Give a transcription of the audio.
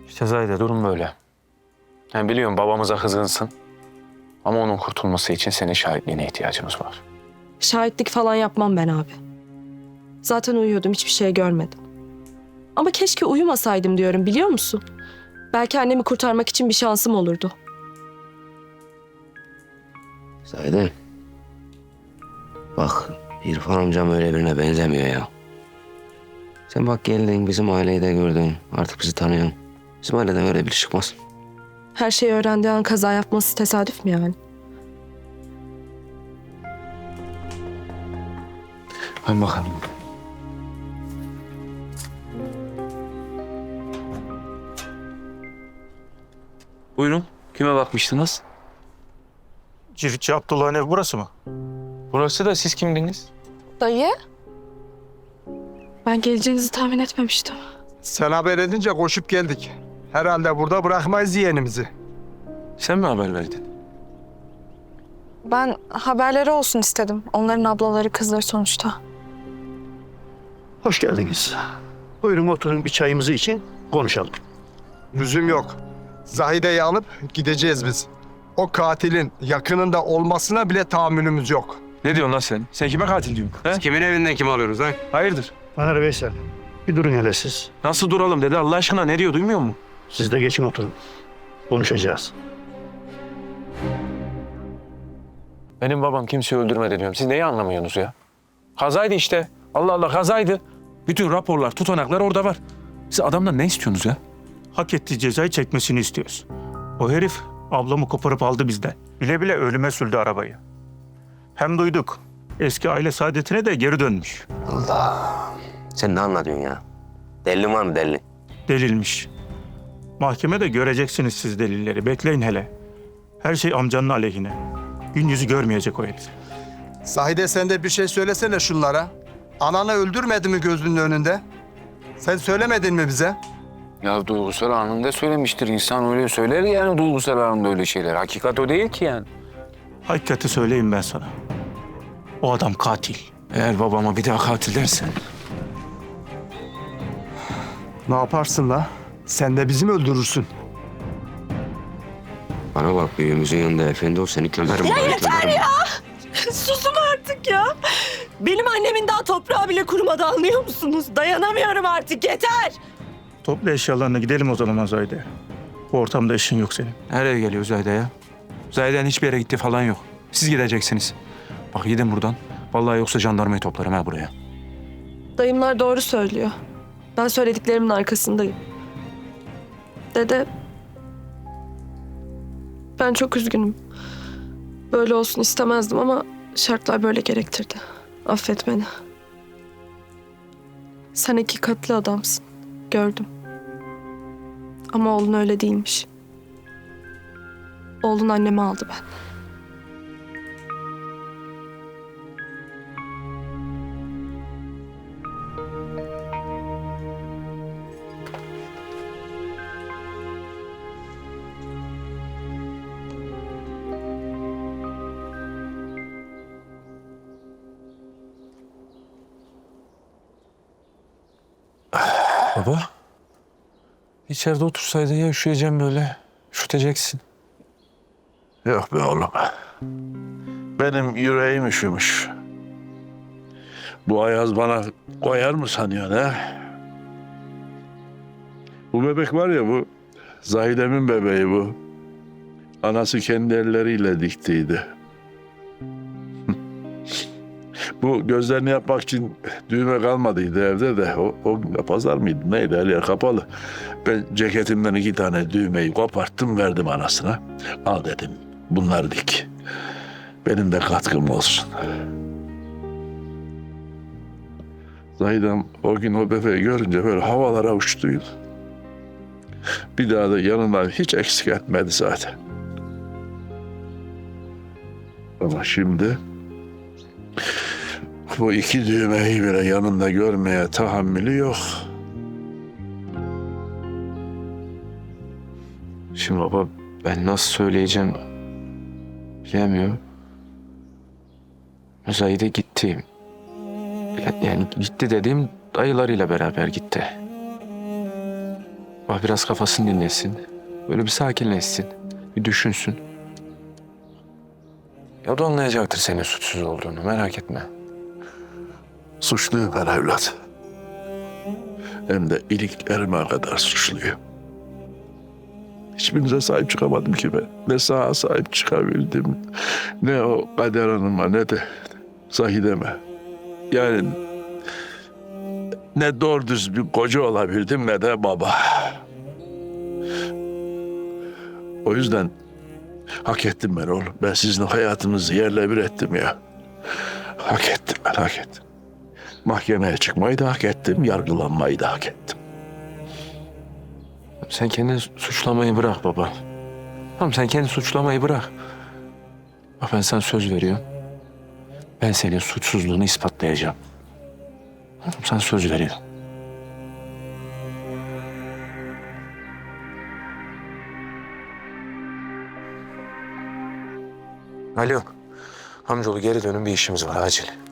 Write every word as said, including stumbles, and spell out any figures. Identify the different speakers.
Speaker 1: İşte Zahide durum böyle. Yani biliyorum babamıza kızgınsın. Ama onun kurtulması için senin şahitliğine ihtiyacımız var.
Speaker 2: Şahitlik falan yapmam ben abi. Zaten uyuyordum, hiçbir şey görmedim. Ama keşke uyumasaydım diyorum, biliyor musun? Belki annemi kurtarmak için bir şansım olurdu.
Speaker 3: Zahide. Bak İrfan amcam öyle birine benzemiyor ya. Sen bak geldin bizim aileyi de gördün. Artık bizi tanıyorsun. Bizim aileden öyle biri çıkmaz.
Speaker 2: Her şeyi öğrendiği an kaza yapması tesadüf mü yani?
Speaker 1: Hadi bakalım. Buyurun. Kime bakmıştınız?
Speaker 4: Ciritçi Abdullah'ın ev burası mı?
Speaker 1: Burası da siz kimdiniz?
Speaker 2: Dayı? Ben geleceğinizi tahmin etmemiştim.
Speaker 5: Sen haber edince koşup geldik. Herhalde burada bırakmayız yeğenimizi.
Speaker 1: Sen mi haber verdin?
Speaker 6: Ben haberleri olsun istedim. Onların ablaları, kızları sonuçta.
Speaker 7: Hoş geldiniz. Buyurun oturun bir çayımızı için konuşalım.
Speaker 5: Lüzum yok. Zahide'yi alıp gideceğiz biz. O katilin yakınında olmasına bile tahammülümüz yok.
Speaker 1: Ne diyorsun lan sen? Sen kime katil diyorsun? He?
Speaker 3: Kimin evinden kim alıyorsunuz lan?
Speaker 1: Hayırdır?
Speaker 7: Taner Veysel, bir durun hele siz.
Speaker 1: Nasıl duralım dedi Allah aşkına, ne diyor duymuyor musun?
Speaker 7: Siz de geçin oturun. Konuşacağız.
Speaker 1: Benim babam kimseyi öldürmedi diyorum. Siz neyi anlamıyorsunuz ya? Kazaydı işte. Allah Allah, kazaydı. Bütün raporlar, tutanaklar orada var. Siz adamdan ne istiyorsunuz ya?
Speaker 4: Hak ettiği cezayı çekmesini istiyoruz. O herif ablamı koparıp aldı bizden. Bile bile ölüme sürdü arabayı. Hem duyduk. Eski aile saadetine de geri dönmüş.
Speaker 3: Sen ne anlatıyorsun ya? Delilin var mı delilin?
Speaker 4: Delilmiş. Mahkemede göreceksiniz siz delilleri. Bekleyin hele. Her şey amcanın aleyhine. Gün yüzü görmeyecek o herif.
Speaker 5: Zahide sen de bir şey söylesene şunlara. Ananı öldürmedi mi gözünün önünde? Sen söylemedin mi bize?
Speaker 1: Ya duygusal anında söylemiştir. İnsan öyle söyler yani, duygusal anında öyle şeyler. Hakikat o değil ki yani.
Speaker 4: Hakikati söyleyeyim ben sana. O adam katil.
Speaker 1: Eğer babama bir daha katil dersen...
Speaker 5: Ne yaparsın la? Sen de bizi mi öldürürsün?
Speaker 3: Bana bak büyüğümüzün yanında efendi ol seni kömerim. Ya yeter ya!
Speaker 2: Susun artık ya. Benim annemin daha toprağı bile kurumadı, anlıyor musunuz? Dayanamıyorum artık, yeter.
Speaker 4: Topla eşyalarını gidelim o zaman Zahide. Bu ortamda işin yok senin.
Speaker 1: Nereye geliyor Zahide ya? Zahide'nin hiçbir yere gitti falan yok. Siz gideceksiniz. Bak gidin buradan. Vallahi yoksa jandarmayı toplarım ha buraya.
Speaker 2: Dayımlar doğru söylüyor. Ben söylediklerimin arkasındayım. Dede, ben çok üzgünüm. Böyle olsun istemezdim ama şartlar böyle gerektirdi. Affet beni. Sen hakikatli adamsın. Gördüm. Ama oğlun öyle değilmiş. Oğlun annemi aldı ben.
Speaker 1: Baba. İçeride otursaydın ya, üşüyeceğim böyle. Üşüteceksin.
Speaker 8: Yok be oğlum. Benim yüreğim üşümüş. Bu ayaz bana koyar mı sanıyorsun ha? Bu bebek var ya, bu Zahide'min bebeği bu. Anası kendi elleriyle diktiydi. Bu gözlerini yapmak için düğme kalmadıydı evde de. O, o pazar mıydı neydi, her yer kapalı. Ben ceketimden iki tane düğmeyi koparttım, verdim anasına. Al dedim, bunları dik. Benim de katkım olsun. Zahidem o gün o bebeği görünce böyle havalara uçtuydu. Bir daha da yanından hiç eksik etmedi zaten. Ama şimdi bu iki düğmeyi bile yanında görmeye tahammülü yok.
Speaker 1: Şimdi baba, ben nasıl söyleyeceğim bilemiyorum. Zahide gitti. Yani gitti dediğim dayılarıyla beraber gitti. Bak Sabah biraz kafasını dinlesin. Böyle bir sakinleşsin. Bir düşünsün. Ya o da anlayacaktır senin suçsuz olduğunu. Merak etme.
Speaker 8: Suçluyum ben evlat. Hem de iliklerime kadar suçluyum. Hiçbirinize sahip çıkamadım ki ben. Ne sağa sahip çıkabildim, ne o Kader Hanım'a, ne de Zahide'me. Yani ne doğru düz bir koca olabildim, ne de baba. O yüzden hak ettim ben oğlum. Ben sizin hayatınızı yerle bir ettim ya. Hak ettim ben, hak ettim. Mahkemeye çıkmayı da hak ettim, yargılanmayı da hak ettim.
Speaker 1: Sen kendini suçlamayı bırak baba. Tamam, sen kendini suçlamayı bırak. Bak, ben sana söz veriyorum. Ben senin suçsuzluğunu ispatlayacağım. Tamam, sana söz veriyorum. Alo. Amcaoğlu, geri dönün, bir işimiz var acil.